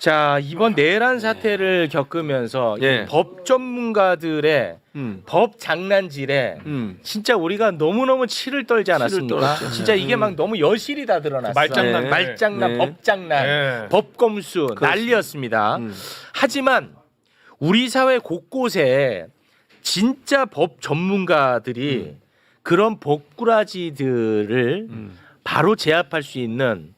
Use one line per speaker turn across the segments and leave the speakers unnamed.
자, 이번 내란 사태를 겪으면서
예.
이 법 전문가들의 법 장난질에 진짜 우리가 너무너무 치를 떨지 않았습니까?
떨었죠.
진짜 이게 막 너무 여실히 다 드러났어.
말장난.
네.
말장난,
네.
법장난,
네.
법검수 난리였습니다. 하지만 우리 사회 곳곳에 진짜 법 전문가들이 그런 법꾸라지들을 바로 제압할 수 있는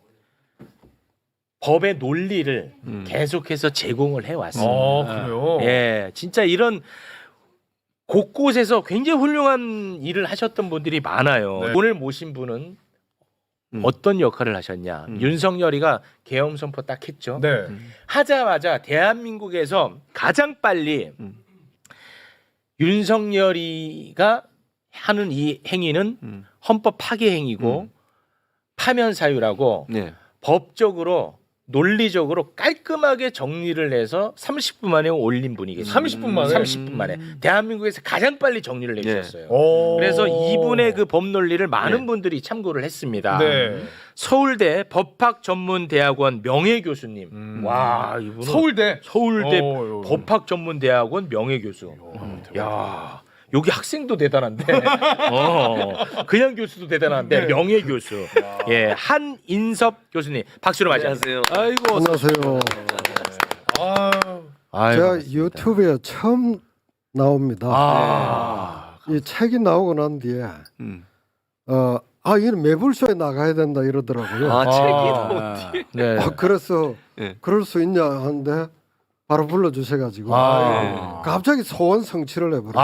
법의 논리를 계속해서 제공을 해왔습니다.
그래요?
예, 진짜 이런 곳곳에서 굉장히 훌륭한 일을 하셨던 분들이 많아요.
네.
오늘 모신 분은 어떤 역할을 하셨냐? 윤석열이가 계엄 선포 딱 했죠.
네.
하자마자 대한민국에서 가장 빨리 윤석열이가 하는 이 행위는 헌법 파괴 행위고 파면 사유라고
네.
법적으로 논리적으로 깔끔하게 정리를 해서 30분 만에 올린 분이 계세요.
30분 만에?
30분 만에. 대한민국에서 가장 빨리 정리를 내주셨어요.
오.
그래서 이분의 그 법 논리를 많은
네.
분들이 참고를 했습니다.
네.
서울대 법학전문대학원 명예교수님. 와, 이분은
서울대.
서울대 법학전문대학원 명예교수. 야, 여기 학생도 대단한데, 그냥 교수도 대단한데 명예교수. 예, 한인섭 교수님 박수로 맞이하세요.
안녕하세요.
아이고,
안녕하세요.
아이고,
제가 유튜브에 처음 나옵니다. 이 책이 나오고 난 뒤에 이는 매불쇼에 나가야 된다 이러더라고요.
책이
네.
그래서
네.
그럴 수 있냐 하는데 바로 불러주셔가지고 갑자기 소원 성취를 해버렸어요.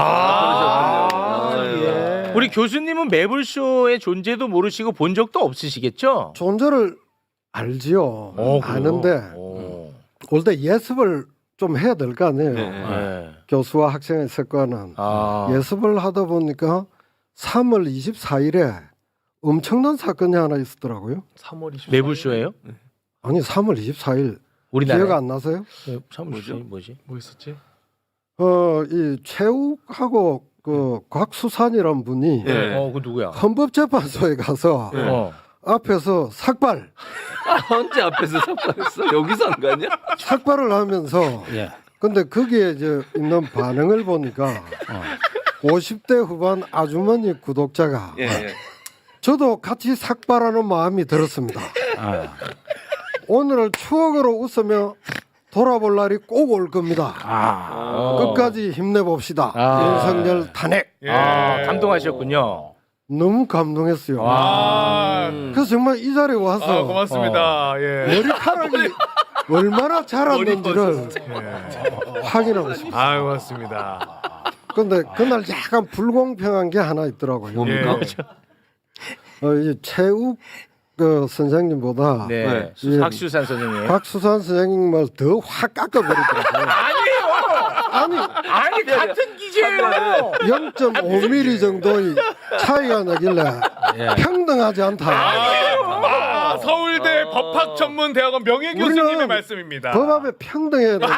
예. 우리 교수님은 매불쇼의 존재도 모르시고 본 적도 없으시겠죠?
존재를 알지요.
그래요?
아는데 올 때 예습을 좀 해야 될 거 아니에요.
네.
교수와 학생의 습관은 예습을 하다 보니까 3월 24일에 엄청난 사건이 하나 있었더라고요.
3월 24일.
매불쇼예요?
아니 3월 24일
우리나라
기억 안 나세요?
뭐지?
뭐 있었지?
이 최욱하고 그 곽수산이란 분이
네.
그 누구야?
헌법재판소에 가서 앞에서 삭발
언제 앞에서 삭발했어? 여기서 안 가냐?
삭발을 하면서
예.
근데 거기에 이제 있는 반응을 보니까 50대 후반 아주머니 구독자가
예.
저도 같이 삭발하는 마음이 들었습니다. 오늘을 추억으로 웃으며 돌아볼 날이 꼭 올 겁니다. 끝까지 힘내봅시다. 윤석열 탄핵.
감동하셨군요.
너무 감동했어요. 그래서 정말 이 자리에 와서
고맙습니다. 예.
머리카락이 얼마나 자랐는지를 확인하고 싶어요.
고맙습니다.
근데 그날 약간 불공평한 게 하나 있더라고요.
뭡니까?
이 최욱 그 선생님보다
네.
예.
박수산 선생님.
박수산 선생님을 더 확 깎아버리더라고요.
아니 같은 기재예요.
0.5mm 정도의 차이가 나길래 평등하지 않다.
서울대 법학전문대학원 명예교수님의
우리는
말씀입니다.
법 앞에 평등해야 되는데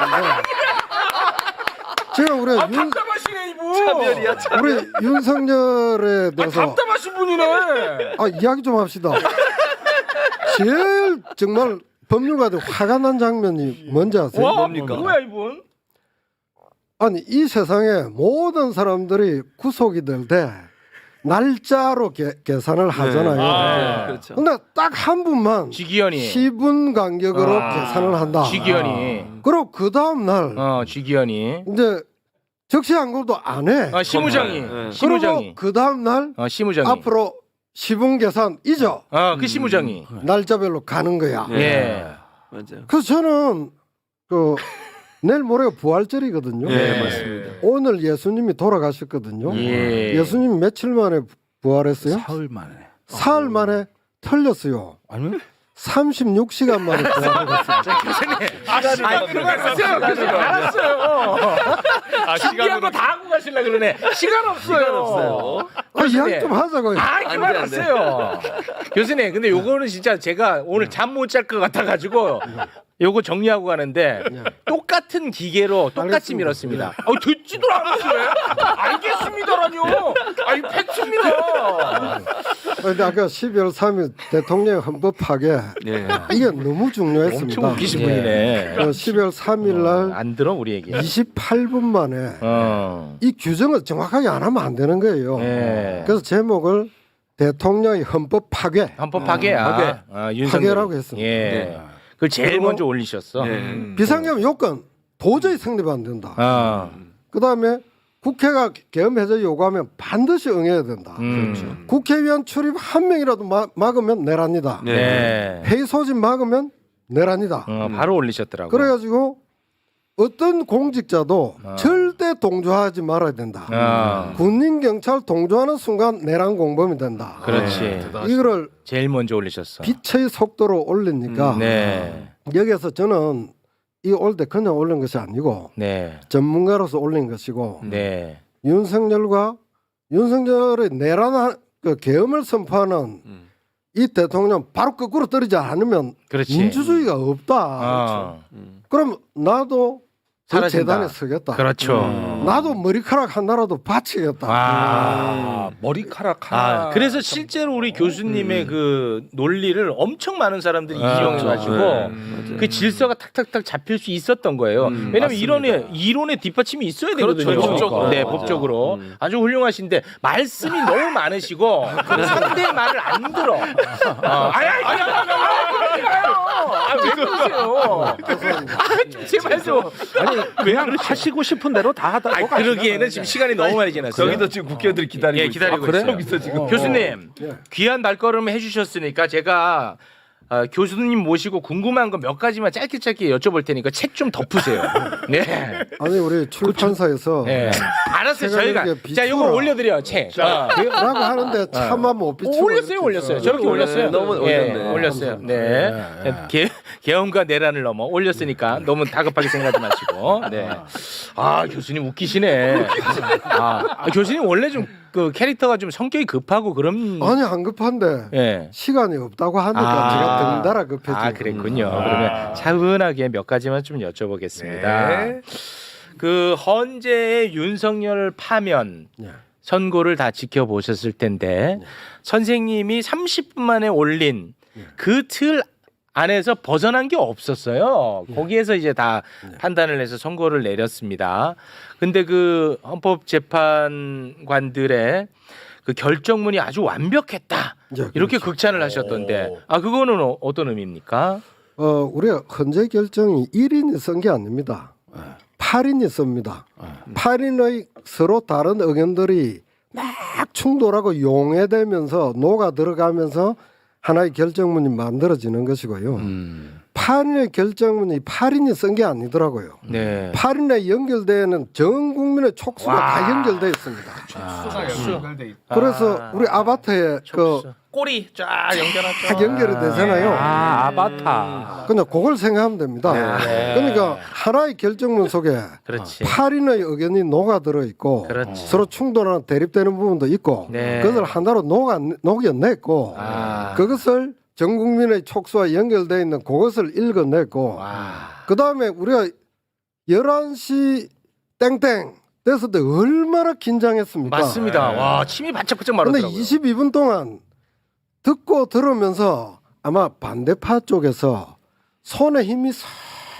제가 우리
답답하시네 이분.
차별이야, 차별.
우리 윤석열에 대해서
답답하신 분이네.
이야기 좀 합시다. 제일 정말 법률가들 화가 난 장면이 뭔지 아세요?
뭡니까?
뭐야 이분?
아니 이 세상에 모든 사람들이 구속이 될 때 날짜로 계산을 하잖아요.
그렇죠.
근데 딱 한 분만
지기현이.
10분 간격으로 계산을 한다.
지기현이.
그리고 그 다음 날
지기현이.
이제 적시항고도 안 해.
시무장이.
네.
시무장이.
그리고 그 다음 날
시무장이.
앞으로 10분 계산 잊어.
그 시무장이.
날짜별로 가는 거야.
예.
맞아요.
그래서 저는 그 내일 모레가 부활절이거든요.
네, 맞습니다.
오늘 예수님이 돌아가셨거든요.
예.
예수님 며칠 만에 부활했어요?
사흘 만에.
사흘 만에 틀렸어요.
아니?
36시간 만에 부활했어요.
그만하세요. 알았어요. 준비한
시간으로
거 다 하고 가실라 그러네. 시간 없어요.
이야기 좀 하자고요.
그만하세요. 교수님, 근데 요거는 진짜 제가 오늘 잠 못 잘 것 같아가지고 요거 정리하고 가는데 똑같이 똑같은 기계로 똑같이
알겠습니다.
밀었습니다. 듣지도 않았어요. 알겠습니다라뇨. 아니 팩트입니다.
근데 아까 12월 3일 대통령 헌법 파괴
네.
이게 너무 중요했습니다.
엄청 웃기신 분이네.
12월 3일 날
안 들어 우리 얘기.
28분 만에 이 규정을 정확하게 안 하면 안 되는 거예요.
네.
그래서 제목을 대통령의 헌법 파괴.
헌법 파괴야. 윤석열.
파괴라고 했습니다.
예.
네.
그걸 제일
그리고-
먼저 올리셨어.
네.
비상계엄 요건 도저히 성립 안 된다.
어.
그다음에 국회가 계엄 해제 요구하면 반드시 응해야 된다. 국회의원 출입 한 명이라도 막으면 내란이다.
네.
회의 소집 막으면 내란이다.
바로 올리셨더라고.
그래가지고 어떤 공직자도 절대 동조하지 말아야 된다. 군인 경찰 동조하는 순간 내란 공범이 된다.
그렇지.
이거를
제일 먼저 올리셨어.
빛의 속도로 올리니까
네.
여기서 저는 이 올 때 그냥 올린 것이 아니고
네.
전문가로서 올린 것이고
네.
윤석열의 내란 그 계엄을 선포하는 이 대통령 바로 거꾸로 떨어지지 않으면
그렇지.
민주주의가 없다.
어.
그럼 나도 그
사라진다.
재단에 서겠다.
그렇죠.
나도 머리카락 하나라도 바치겠다.
머리카락 하나.
그래서 실제로 우리 교수님의 그 논리를 엄청 많은 사람들이 이용해가지고
네.
그 질서가 탁탁탁 잡힐 수 있었던 거예요. 왜냐하면 이론의 뒷받침이 있어야 되거든요.
그렇죠. 법적으로.
네,
맞아.
법적으로 아주 훌륭하신데 말씀이 너무 많으시고 상대의 말을 안 들어. 왜 그러세요? 좀 제발 좀.
그냥 하시고 싶은 대로 다 하다.
그러기에는 지금 시간이 너무 많이 지났어요.
저기도 지금 국회의원들이 기다리고
예, 기다리고
있어요.
있어요.
여기서 지금
교수님
예.
귀한 발걸음 해주셨으니까 제가 교수님 모시고 궁금한 거 몇 가지만 짧게 여쭤볼 테니까 책 좀 덮으세요. 네.
아니 우리 출판사에서
네. 알았어요.
제가
저희가
이렇게
자 이거
비추라.
올려드려 책.
라고 하는데 차마 못 비추고
올렸어요. 저렇게 올렸어요.
너무
예,
올렸네.
올렸어요. 네. 계엄과 내란을 넘어 올렸으니까 너무 다급하게 생각하지 마시고. 네. 교수님 웃기시네. 교수님 원래 좀 그 캐릭터가 좀 성격이 급하고 그런.
아니 안 급한데
예.
시간이 없다고 하니까 제가 덩달아 급해지고.
그랬군요. 그러면 차분하게 몇 가지만 좀 여쭤보겠습니다.
네.
그 헌재의 윤석열 파면
예.
선고를 다 지켜보셨을 텐데 선생님이 30분 만에 올린 그 틀 안에서 벗어난 게 없었어요. 거기에서 이제 다 판단을 해서 선고를 내렸습니다. 근데 그 헌법재판관들의 그 결정문이 아주 완벽했다.
예,
이렇게
그렇죠.
극찬을 하셨던데 그거는 어떤 의미입니까?
우리가 헌재 결정이 1인이 쓴 게 아닙니다. 8인이 씁니다. 8인의 서로 다른 의견들이 막 충돌하고 용해되면서 녹아 들어가면서 하나의 결정문이 만들어지는 것이고요. 8인의 결정문이 8인이 쓴 게 아니더라고요.
네.
8인에 연결되는 전 국민의 촉수가 다 연결되어 있습니다. 그래서 우리 아바타에 그
꼬리 쫙 연결하죠.
다 연결이 되잖아요.
아바타.
그냥 그걸 생각하면 됩니다.
네.
그러니까 하나의 결정문 속에
그렇지.
8인의 의견이 녹아들어 있고
그렇지.
서로 충돌하는 대립되는 부분도 있고
네.
그것을 하나로 녹여냈고 그것을 전 국민의 촉수와 연결되어 있는 그것을 읽어냈고 그다음에 우리가 11시 땡땡 됐을 때 얼마나 긴장했습니까?
맞습니다. 와 침이 바짝바짝
그런데
마르더라고요.
22분 동안 듣고 들으면서 아마 반대파 쪽에서 손에 힘이 싹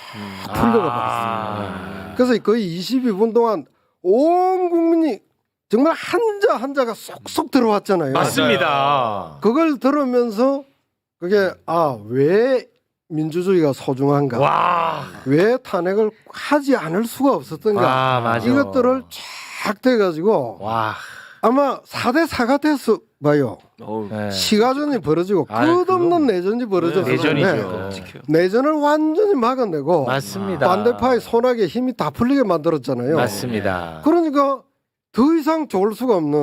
풀려가 버렸어요. 그래서 거의 22분 동안 온 국민이 정말 한자 한자가 쏙쏙 들어왔잖아요.
맞습니다.
그걸 들으면서 그게 왜 민주주의가 소중한가?
와.
왜 탄핵을 하지 않을 수가 없었던가?
맞아.
이것들을 쫙 돼가지고
와.
아마 4대 4가 됐어 봐요.
네.
시가전이 벌어지고 끝없는 내전이 벌어졌는데
내전이죠.
내전을 완전히 막아내고
맞습니다.
반대파의 손아귀에 힘이 다 풀리게 만들었잖아요.
맞습니다.
그러니까 더 이상 좋을 수가 없는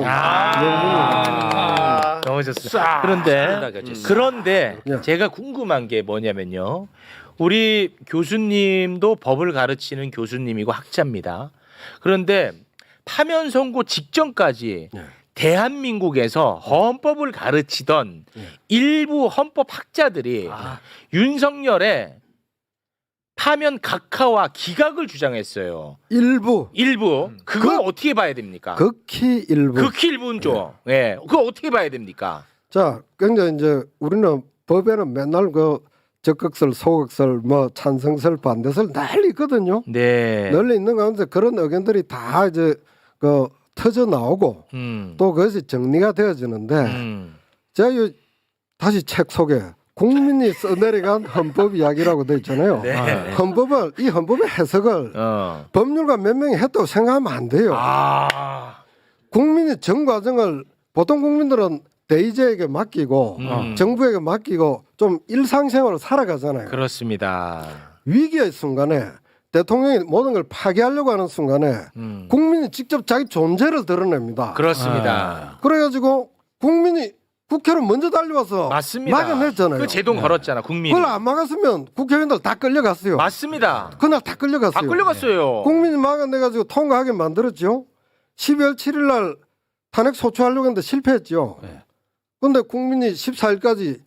너무 좋습니다. 그런데
예.
제가 궁금한 게 뭐냐면요. 우리 교수님도 법을 가르치는 교수님이고 학자입니다. 그런데 파면 선고 직전까지 대한민국에서 헌법을 가르치던 일부 헌법 학자들이 윤석열의 파면 각하와 기각을 주장했어요.
일부
일부 그걸 어떻게 봐야 됩니까?
극히 일부.
극히 일부죠. 예, 그거 어떻게 봐야 됩니까?
자, 굉장히 이제 우리는 법에는 맨날 그 적극설, 소극설, 뭐 찬성설, 반대설 널리 있거든요.
네.
널리 있는 가운데 그런 의견들이 다 이제 그 터져 나오고 또 그것이 정리가 되어지는데 제가 다시 책 속에 국민이 써내려간 헌법 이야기라고 돼 있잖아요.
네.
이 헌법의 해석을 법률가 몇 명이 했다고 생각하면 안 돼요.
아.
국민이 전 과정을 보통 국민들은 대의제에게 맡기고 정부에게 맡기고 좀 일상생활을 살아가잖아요.
그렇습니다.
위기의 순간에 대통령이 모든 걸 파괴하려고 하는 순간에 국민이 직접 자기 존재를 드러냅니다.
그렇습니다.
그래가지고 국민이 국회로 먼저 달려와서
맞습니다.
막아냈잖아요.
그 제동 걸었잖아, 국민이.
그걸 안 막았으면 국회의원들 다 끌려갔어요.
맞습니다.
그날 다 끌려갔어요.
다 끌려갔어요.
국민이 막아내가지고 통과하게 만들었죠. 12월 7일 날 탄핵 소추하려고 했는데 실패했죠. 그런데 국민이 14일까지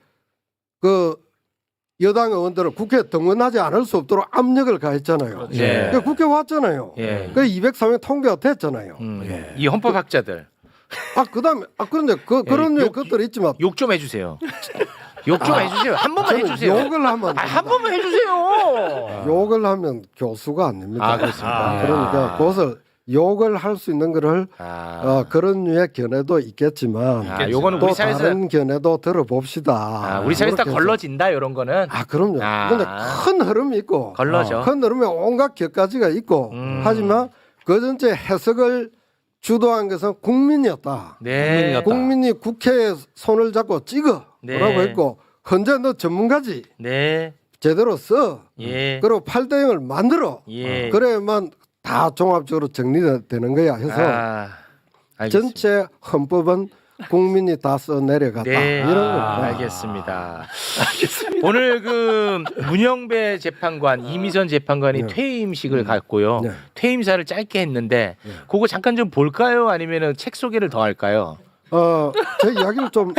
그 여당 의원들을 국회에 등원하지 않을 수 없도록 압력을 가했잖아요.
예.
그러니까 국회 왔잖아요.
예.
그 203명 통과가 됐잖아요.
이 헌법학자들
그다음에 그런데 그런 류의 것들이 있지만
욕 좀 해주세요. 욕 좀 해주세요. 한 번만
저는
해주세요.
욕을 하면 안
한
됩니다.
번만 해주세요.
욕을 하면 교수가 아닙니다.
아, 그렇습니까?
그러니까 그것을 욕을 할 수 있는 거를 그런 류의 견해도 있겠지만
요거는
또
우리 사회에서
다른 견해도 들어봅시다.
우리 사회에서 다
그렇게 해서.
걸러진다 이런 거는.
그럼요. 근데 큰 흐름이 있고
걸러져.
큰 흐름에 온갖 격가지가 있고 하지만 그 전체 해석을 주도한 것은 국민이었다.
네.
국민이 국회에 손을 잡고 찍어
네.
라고 했고 현재 너 전문가지
네.
제대로 써
예.
그리고 8대0을 만들어
예.
그래야만 다 종합적으로 정리되는 거야 해서
알겠습니다.
전체 헌법은 국민이 다 써내려갔다
네.
이런 겁니다.
알겠습니다. 오늘 그 문영배 재판관, 이미선 재판관이 퇴임식을 갖고요.
네.
퇴임사를 짧게 했는데 그거 잠깐 좀 볼까요? 아니면은 책 소개를 더 할까요?
제 이야기를 좀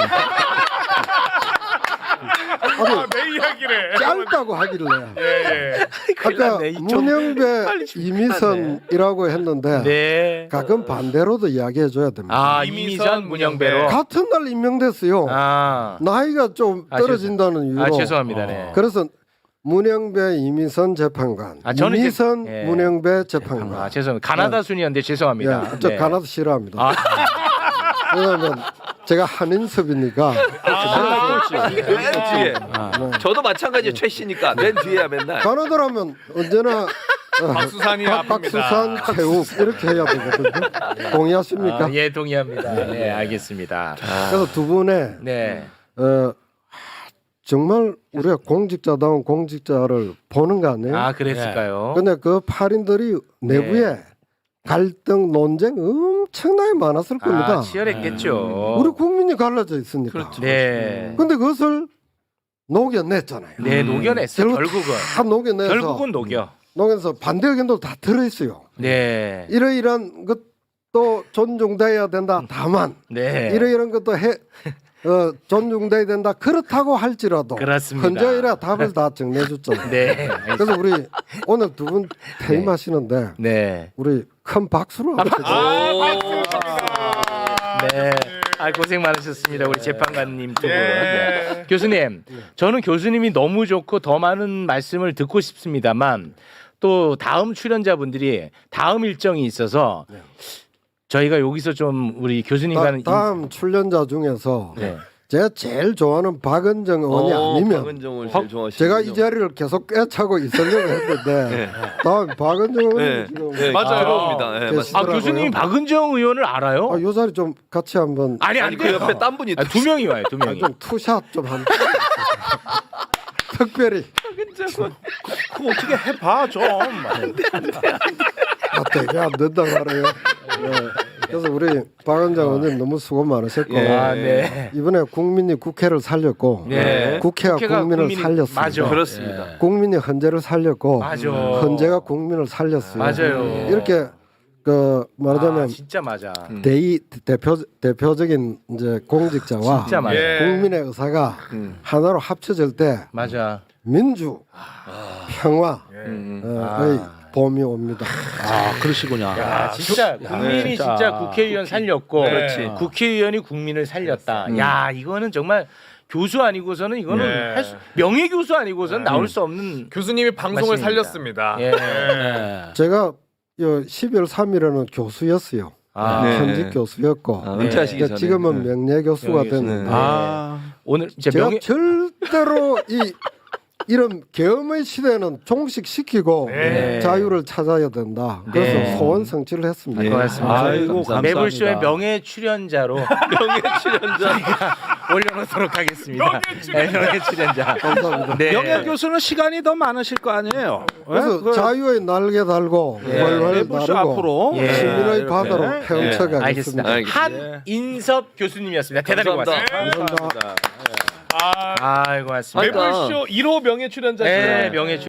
내 이야기래.
짧다고 하길래
예.
아까
났네. 좀
문영배 이미선이라고 했는데
네.
가끔 반대로도 이야기해 줘야 됩니다.
이미선 문영배로.
같은 날 임명됐어요.
아.
나이가 좀 떨어진다는 이유로.
죄송합니다. 네.
그래서 문영배 이미선 재판관,
저는
이미선
이제- 예.
문영배 재판관.
죄송합니다. 가나다 순이었는데 죄송합니다.
저
네.
가나다 싫어합니다.
아.
왜냐하면 제가 한인섭이니까
맨 뒤에. 저도 마찬가지예요. 최씨니까 맨 뒤에야 맨날.
가나다라면 언제나
박수산이
박수산
아픕니다.
태욱 이렇게 해야 되거든요. 동의하십니까?
예, 동의합니다. 네, 알겠습니다.
그래서 두 분의
네.
정말 우리가 공직자다운 공직자를 보는 거 아니에요?
그랬을까요?
근데 그 팔인들이 내부에 갈등 논쟁 엄청나게 많았을 겁니다.
치열했겠죠.
우리 국민이 갈라져 있으니까.
네.
근데 그것을 녹여냈잖아요.
네, 녹여냈어요. 결국은.
다 녹여내서
결국은 녹여.
녹여서 반대 의견도 다 들어있어요.
네.
이러이러한 것도 존중돼야 된다. 다만
네.
이러이러한 것도 존중돼야 된다. 그렇다고 할지라도
그렇습니다.
현재이라 답을 다 정리해줬잖아요.
네.
그래서 우리 오늘 두 분 퇴임하시는데
네.
우리 큰 박수로 한번
네. 고생 많으셨습니다. 우리 재판관님 두 분.
네.
네. 교수님, 저는 교수님이 너무 좋고 더 많은 말씀을 듣고 싶습니다만 또 다음 출연자분들이 다음 일정이 있어서 저희가 여기서 좀 우리 교수님과는
다음 출연자 중에서
네.
제가 제일 좋아하는 박은정 의원이 아니면
박은정을 제일 좋아하시는
제가 이 자리를 계속 꿰차고 있으려고 했는데 다음 박은정 의원이 지금
맞아요.
들어옵니다. 네,
계시-
맞습니다.
교수님이 박은정 의원을 알아요?
요 자리 좀 같이 한번
아니
그 옆에 딴 분이
두 명이 와요. 두 명이.
좀 투샷 좀 한 특별히
그거 어떻게 해봐 좀.
되게 안 된다고 하네요. 그래서 우리 박은정 의원님 너무 수고 많으셨고
네.
이번에 국민이 국회를 살렸고
네.
국회가 국민을 살렸습니다.
맞아.
그렇습니다.
국민이 헌재를 살렸고
맞아.
헌재가 국민을 살렸어요.
맞아요.
이렇게 말하자면
진짜 맞아.
대표적인 이제 공직자와
진짜 맞아.
예.
국민의 의사가 하나로 합쳐질 때
맞아.
민주, 평화의
음.
봄이 옵니다.
아 그러시군요.
야, 진짜 국민이
진짜.
진짜 국회의원 살렸고
그렇지.
국회의원이 국민을 살렸다. 야, 이거는 정말 교수 아니고서는 이거는
네.
할 수, 명예 교수 아니고서는 나올 수 없는
교수님이 방송을
맞습니다.
살렸습니다.
예.
네.
제가 12월 3일에는 교수였어요.
아,
네.
현직 교수였고
은퇴하시기
이제
전에.
지금은 명예 교수가
명예 교수.
됐는데
아
오늘 이제
제가
명예
절대로 이런 계엄의 시대는 종식시키고
네.
자유를 찾아야 된다. 그래서
네.
소원 성취를 했습니다.
네. 고맙습니다.
아이고 감사합니다.
매불쇼의 명예 출연자로
명예 출연자.
올려놓도록 하겠습니다. 명예 출연자.
감사합니다.
네.
명예 교수는 시간이 더 많으실 거 아니에요.
그래서
그
자유의 날개 달고 훨훨
매불쇼
나르고
앞으로
예.
시민의
이렇게.
바다로
예.
헤엄쳐가겠습니다.
알겠습니다.
알겠습니다.
한인섭 교수님이었습니다. 대단히 고맙습니다.
감사합니다.
아,
아이고 고맙습니다.
그러니까
매불쇼 1호 명예 출연자.
네, 명예